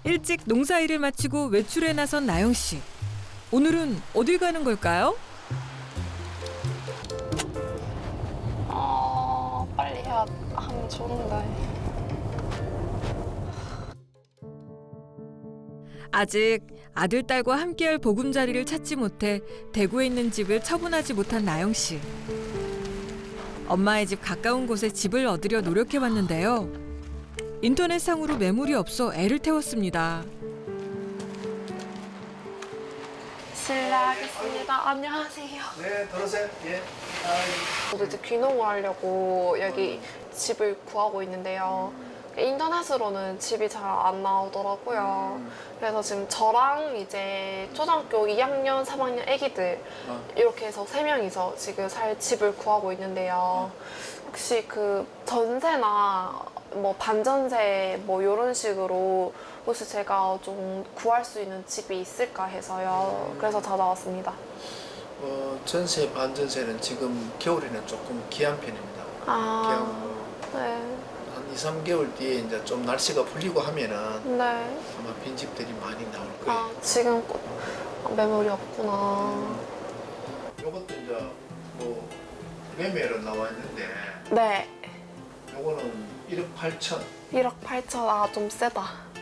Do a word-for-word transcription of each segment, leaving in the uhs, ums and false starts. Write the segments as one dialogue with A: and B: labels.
A: 일찍 농사일을 마치고 외출에 나선 나영 씨. 오늘은 어딜 가는 걸까요?
B: 아, 빨리 해야 하면 좋은데.
A: 아직 아들, 딸과 함께할 보금자리를 찾지 못해 대구에 있는 집을 처분하지 못한 나영 씨. 엄마의 집 가까운 곳에 집을 얻으려 노력해봤는데요. 인터넷상으로 매물이 없어 애를 태웠습니다.
B: 실례하겠습니다. 안녕하세요.
C: 네, 들어오세요. 예.
B: 저도 이제 귀농을 하려고 여기 집을 구하고 있는데요. 인터넷으로는 집이 잘 안 나오더라고요. 그래서 지금 저랑 이제 초등학교 이 학년, 삼 학년 애기들 이렇게 해서 세 명이서 지금 살 집을 구하고 있는데요. 혹시 그 전세나 뭐 반전세 뭐 이런 식으로 혹시 제가 좀 구할 수 있는 집이 있을까 해서요. 그래서 찾아왔습니다.
C: 어, 전세, 반전세는 지금 겨울에는 조금 귀한 편입니다.
B: 아,
C: 귀하고
B: 네,
C: 한 이, 삼 개월 뒤에 이제 좀 날씨가 풀리고 하면은
B: 네.
C: 아마 빈집들이 많이 나올 거예요.
B: 아, 지금 매물이 없구나.
C: 요것도 이제 뭐 매매로 나와 있는데
B: 네,
C: 요거는 일억 팔천.
B: 일억 팔천. 아, 좀 세다.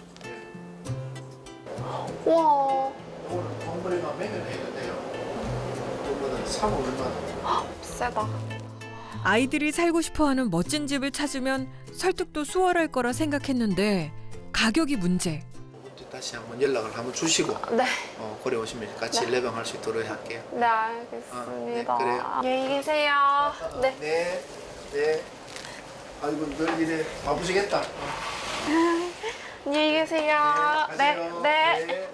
C: 예.
B: 우와,
C: 요거는 덩그리만 매매를 해도 돼요. 요거는 사고 얼마?
B: 세다.
A: 아이들이 살고 싶어하는 멋진 집을 찾으면 설득도 수월할 거라 생각했는데 가격이 문제.
C: 이제 다시 한번 연락을 한번 주시고
B: 네,
C: 어, 고려 오시면 같이
B: 네.
C: 레방할 수 있도록 할게요.
B: 네, 알겠습니다.
C: 아, 네, 그래요.
B: 안녕히 계세요. 네.
C: 네. 네. 아이고 늘 이래 바쁘시겠다.
B: 안녕히 계세요. 네,
C: 가세요.
B: 네.
C: 네.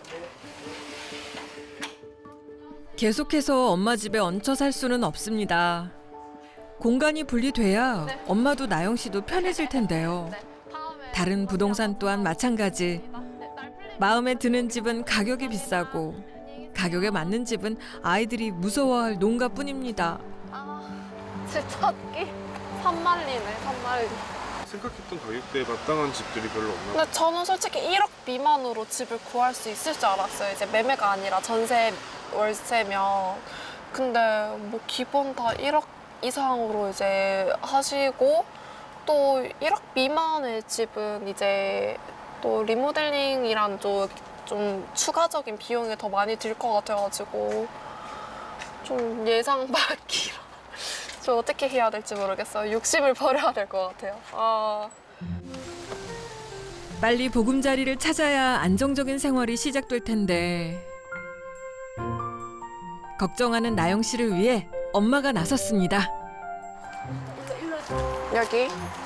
A: 계속해서 엄마 집에 얹혀 살 수는 없습니다. 공간이 분리돼야
B: 네.
A: 엄마도 나영 씨도 편해질 텐데요.
B: 네. 다음에
A: 다른 부동산 또한 마찬가지. 마음에 드는 집은 가격이 비싸고 가격에 맞는 집은 아이들이 무서워할 농가뿐입니다.
B: 아, 집 찾기 산만리네, 산만리.
D: 생각했던 가격대에 마땅한 집들이 별로 없나?
B: 근데 저는 솔직히 일억 미만으로 집을 구할 수 있을 줄 알았어요. 이제 매매가 아니라 전세, 월세면. 근데 뭐 기본 다 일억 이상으로 이제 하시고 또 일억 미만의 집은 이제 또 리모델링이란 좀, 좀 추가적인 비용이 더 많이 들 것 같아가지고 좀 예상 밖이라 저 어떻게 해야 될지 모르겠어요. 욕심을 버려야 될 것 같아요. 아.
A: 빨리 보금자리를 찾아야 안정적인 생활이 시작될 텐데 걱정하는 나영 씨를 위해 엄마가 나섰습니다.
B: 여기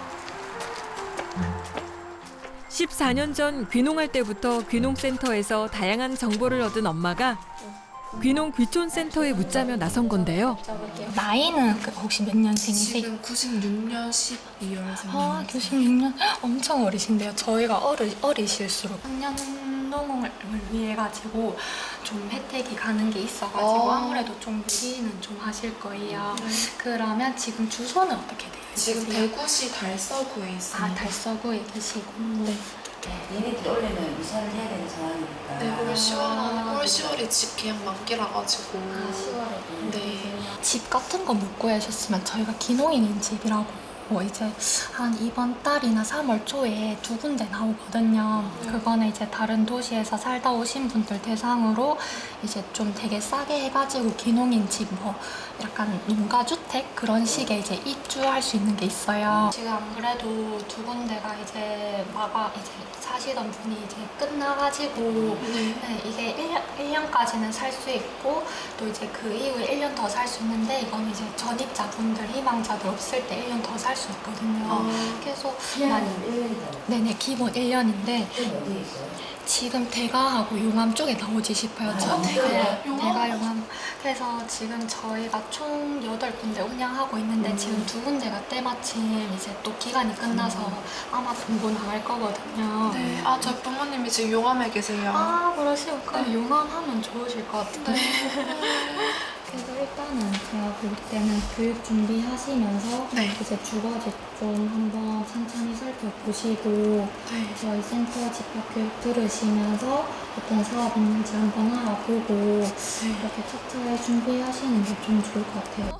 A: 십사 년 전 귀농할 때부터 귀농센터에서 다양한 정보를 얻은 엄마가 귀농 귀촌센터에 묻자며 나선 건데요.
E: 나이는 그 혹시 몇 년생이세요?
B: 지금 구십육 년 십이 월생.
E: 아, 구십육 년? 엄청 어리신데요. 저희가 어리, 어리실수록 학년 농을 위해 가지고 좀 혜택이 가는 게 있어가지고
B: 아.
E: 아무래도 좀 무리는 좀 하실 거예요. 그러면 지금 주소는 어떻게 돼요?
B: 지금 대구시 달서구에 있습니다.
E: 아, 달서구에 계시고. 네.
F: 얘네들이 원래는 이사를 해야 되는 상황이니까.
B: 네, 올 시월 안에 올 시월에 집 계약 만기라 가지고.
E: 아, 시월에.
B: 네.
E: 집 같은 거 못 구하셨으면 저희가 기농인인 집이라고 뭐 이제 한 이번 달이나 삼월 초에 두 군데 나오거든요. 그거는 이제 다른 도시에서 살다 오신 분들 대상으로 이제 좀 되게 싸게 해가지고 기농인 집 뭐 약간 농가주택 그런 식의 이제 입주할 수 있는 게 있어요. 지금 안 그래도 두 군데가 이제 마가 이제 사시던 분이 이제 끝나가지고
B: 네.
E: 네, 이게 일 년, 일 년까지는 살 수 있고 또 이제 그 이후에 일 년 더 살 수 있는데 이건 이제 전입자분들, 희망자들 없을 때 일 년 더 살 수 있거든요.
B: 아.
E: 그래서
F: 기한은
E: 많이
F: 일 년이죠.
E: 네네 기본 일 년인데
F: 지금 어디에 있어요?
E: 지금 대가하고 용암 쪽에 나오지 싶어요. 저
F: 아,
B: 대가?
E: 네,
B: 용암?
E: 대가 용암. 그래서 지금 저희가 총 여덟 군데 운영하고 있는데
F: 음.
E: 지금 두 군데가 때마침 이제 또 기간이 끝나서 아마 공고 나갈 거거든요.
B: 네. 아, 저희 부모님이 지금 용암에 계세요.
E: 아, 그러시고 그럼 용암 하면 좋으실 것 같은데. 그래서 일단은 제가 볼 때는 교육 준비하시면서
B: 네.
E: 이제 주거지 좀 한번 천천히 살펴보시고
B: 네.
E: 저희 센터 집합교육 들으시면서 어떤 사업 있는지 한번 알아보고 이렇게 차차히 준비하시는 게 좀 좋을 것 같아요.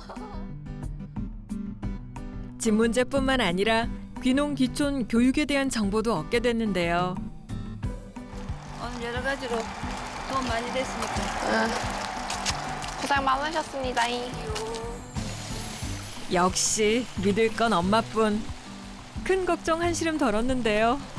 A: 집 문제뿐만 아니라 귀농 귀촌 교육에 대한 정보도 얻게 됐는데요.
F: 오늘 여러 가지로 도움 많이 됐으니까.
B: 응. 고생 많으셨습니다.
A: 역시 믿을 건 엄마뿐. 큰 걱정 한시름 덜었는데요.